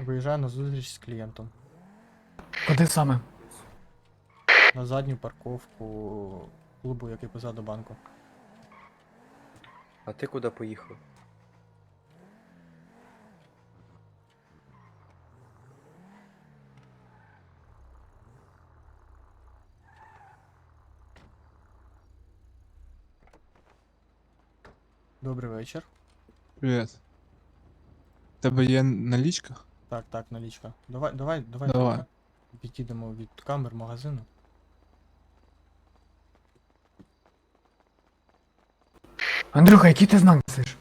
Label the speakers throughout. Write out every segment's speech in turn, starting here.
Speaker 1: Виїжджаю на зустріч з клієнтом.
Speaker 2: Куди саме?
Speaker 1: На задню парковку клубу, який позаду банку.
Speaker 3: А ти куди поїхав?
Speaker 1: Добрий вечір.
Speaker 4: Привіт. Тебе є налічка?
Speaker 1: Так, налічка. Давай
Speaker 4: Давай.
Speaker 1: трохи відійдемо від камер магазину.
Speaker 2: Андрюха, який ти знак несеш?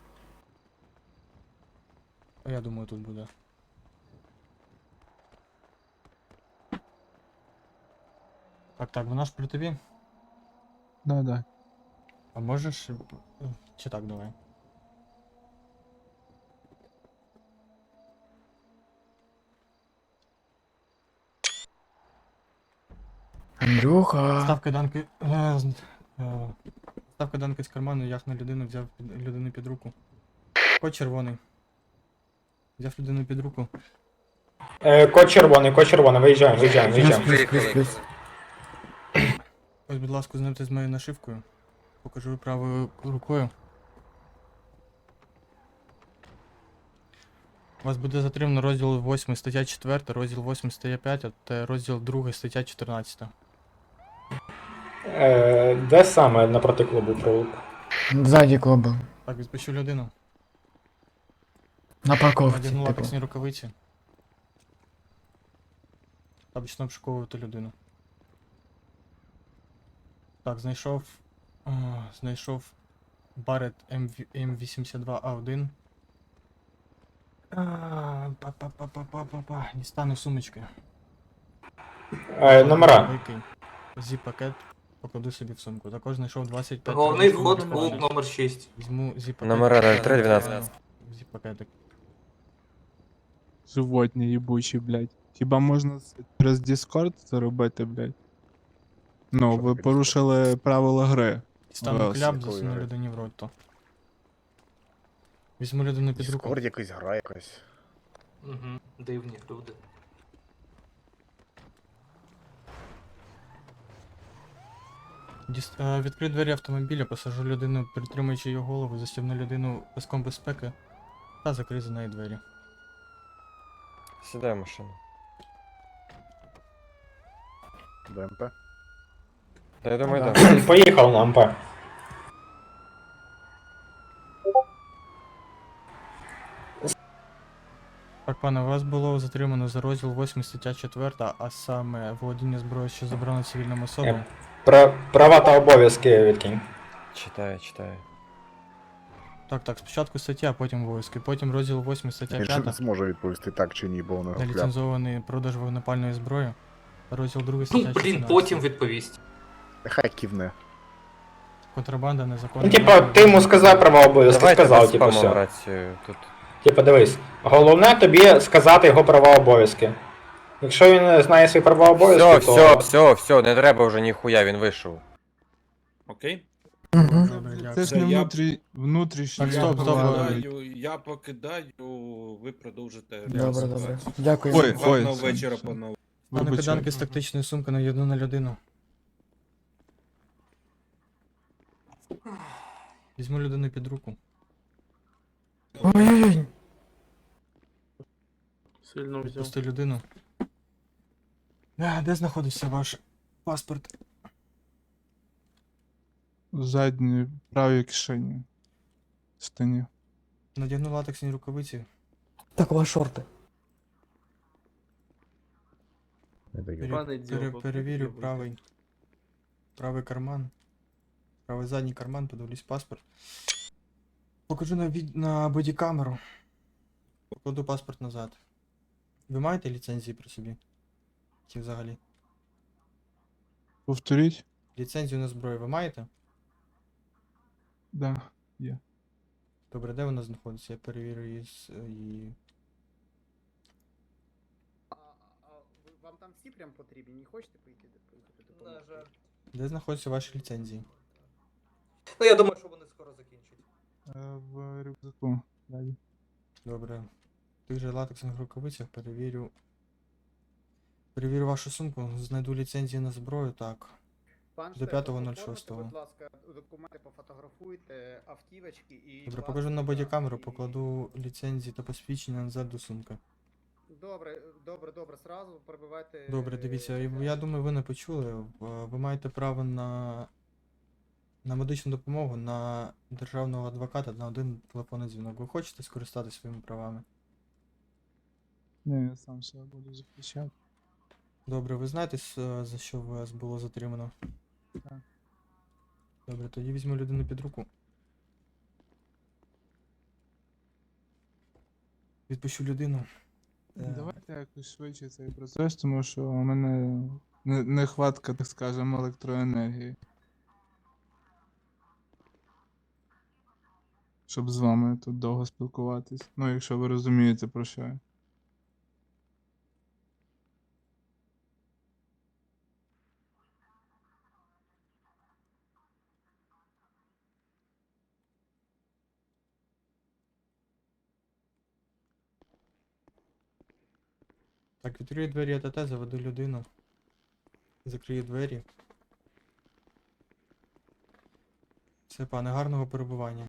Speaker 1: А я думаю, тут буде. Так, вона ж при тобі?
Speaker 4: Да.
Speaker 1: А можеш. Чи так, давай.
Speaker 2: Андрюха.
Speaker 1: Став кайданки. Став кайданки з карману, як на людину, взяв людину під руку. Код червоний. Взяв людину під руку.
Speaker 5: Код червоний, виїжджаємо.
Speaker 2: Плюс.
Speaker 1: Ось, будь ласка, знайомте з моєю нашивкою. Покажу правою рукою. Вас буде затримано розділ 8 стаття 4, розділ 8 стаття 5 та розділ 2 стаття 14.
Speaker 5: Де саме напроти клубу провулок?
Speaker 2: Ззаді клубу.
Speaker 1: Так, відпущу людину.
Speaker 2: На парковці,
Speaker 1: Надягну
Speaker 2: типу.
Speaker 1: латексні рукавиці. Та почну обшуковувати людину. Так, знайшов Barrett M82A1. Дістану сумочки.
Speaker 5: Номера.
Speaker 1: Викинь. Зіп-пакет покладу собі в сумку. Також знайшов 25.
Speaker 6: Головний
Speaker 1: телефонів
Speaker 6: вход в клуб
Speaker 1: телефонів.
Speaker 6: номер 6.
Speaker 1: Візьму зіп-пакет.
Speaker 3: Номера 0312.
Speaker 1: Зіп-пакетик.
Speaker 4: Животні їбучі, блядь. Хіба можна через Discord це робити, блядь? Ну, ви порушили правила гри.
Speaker 1: Дістану
Speaker 4: Раз.
Speaker 1: кляп,
Speaker 7: Якої
Speaker 1: засуну
Speaker 7: гри?
Speaker 1: людині в рот то. Візьму людину під руку.
Speaker 7: Дискорд якась гра якась.
Speaker 6: Угу. Дивні люди.
Speaker 1: Відкрию двері автомобіля, посажу людину, притримуючи її голову, застібну людину паском безпеки та закрию за нею двері.
Speaker 3: Сідай в машину.
Speaker 7: БМП.
Speaker 3: Та я думаю,
Speaker 2: Ага.
Speaker 3: так.
Speaker 5: Поїхав на МП.
Speaker 1: Так, пане, вас було затримано за розділ 8 стаття 4, а саме володіння зброєю, що заборонено цивільним особам.
Speaker 5: Права та обов'язки відкинь.
Speaker 3: Читаю.
Speaker 1: Так, спочатку стаття, а потім обов'язки. Потім розділ 8 стаття
Speaker 7: Він ще не
Speaker 1: 5,
Speaker 7: зможе відповісти так чи ні, бо воно кляп.
Speaker 1: неліцензований продаж вогнепальної зброї. Розділ 2 стаття
Speaker 6: Ну,
Speaker 1: 14.
Speaker 6: блін, потім відповість.
Speaker 7: Хай кивне.
Speaker 1: Контрабанда, незаконна.
Speaker 5: Ну, типа, ти йому сказав права обов'язки,
Speaker 3: Давайте
Speaker 5: сказав,
Speaker 3: без
Speaker 5: типу,
Speaker 3: спаму
Speaker 5: все.
Speaker 3: рацію тут.
Speaker 5: Типа, дивись, головне тобі сказати його права обов'язки. Якщо він не знає свої права обов'язки,
Speaker 3: Все, не треба вже ніхуя, він вийшов.
Speaker 8: Окей?
Speaker 2: Угу.
Speaker 1: Добре, дякую.
Speaker 4: Це ж не
Speaker 8: я-
Speaker 4: внутрішній.
Speaker 1: Так, стоп,
Speaker 8: Я покидаю, ви продовжите.
Speaker 2: Добре.
Speaker 8: ситуацію.
Speaker 2: Дякую.
Speaker 4: Ой.
Speaker 8: Гарного вечора, панове.
Speaker 1: Пане
Speaker 4: Вибачаю.
Speaker 1: киданки з тактичної сумки нав'єдну на людину. Візьму людину під руку.
Speaker 2: Ой-ой-ой.
Speaker 1: Відпусти людину. Де знаходиться ваш паспорт?
Speaker 4: В задній правій кишені. Стані.
Speaker 1: Надягну латексні рукавиці.
Speaker 2: Так, у вас шорти.
Speaker 7: Не даю.
Speaker 1: Перевірю правий карман. Правий задній карман, подивлюсь паспорт. Покажу на бодікамеру. Покладу паспорт назад. Ви маєте ліцензії при собі? Чи взагалі?
Speaker 4: Повторіть?
Speaker 1: Ліцензію на зброю ви маєте?
Speaker 4: Да.
Speaker 1: Добре, де вона знаходиться? Я перевірю її.
Speaker 9: Вам там всі прям потрібні, не хочете поїхати допомогти?
Speaker 1: Де знаходяться ваші ліцензії?
Speaker 6: Ну, я думаю, що вони скоро закінчать.
Speaker 4: В рюкзаку. Далі.
Speaker 1: Добре. тих же латексних рукавицях перевірю. Перевірю вашу сумку, знайду ліцензії на зброю, так.
Speaker 9: Пан
Speaker 1: До
Speaker 9: Штефан,
Speaker 1: 5.06.
Speaker 9: оформите, будь ласка, документи пофотографуйте, автівочки і...
Speaker 1: Добре,
Speaker 9: будь
Speaker 1: покажу на
Speaker 9: ласка,
Speaker 1: бодікамеру,
Speaker 9: і-
Speaker 1: покладу ліцензії та посвідчення назад до сумки.
Speaker 9: Добре, сразу прибивайте...
Speaker 1: Добре, дивіться, я думаю, ви не почули. Ви маєте право на медичну допомогу, на державного адвоката, на один телефонний дзвінок. Ви хочете скористатися своїми правами?
Speaker 4: Ні, я сам себе буду захищати.
Speaker 1: Добре, ви знаєте, за що вас було затримано?
Speaker 4: Так.
Speaker 1: Добре, тоді візьму людину під руку. Відпущу людину.
Speaker 4: Давайте якось швидше цей процес, тому що у мене нехватка, так скажемо, електроенергії. Щоб з вами тут довго спілкуватись. Ну, якщо ви розумієте, про що я.
Speaker 1: Так, відкрию двері АТТ, заведу людину. Закрию двері. Все, пане, гарного перебування.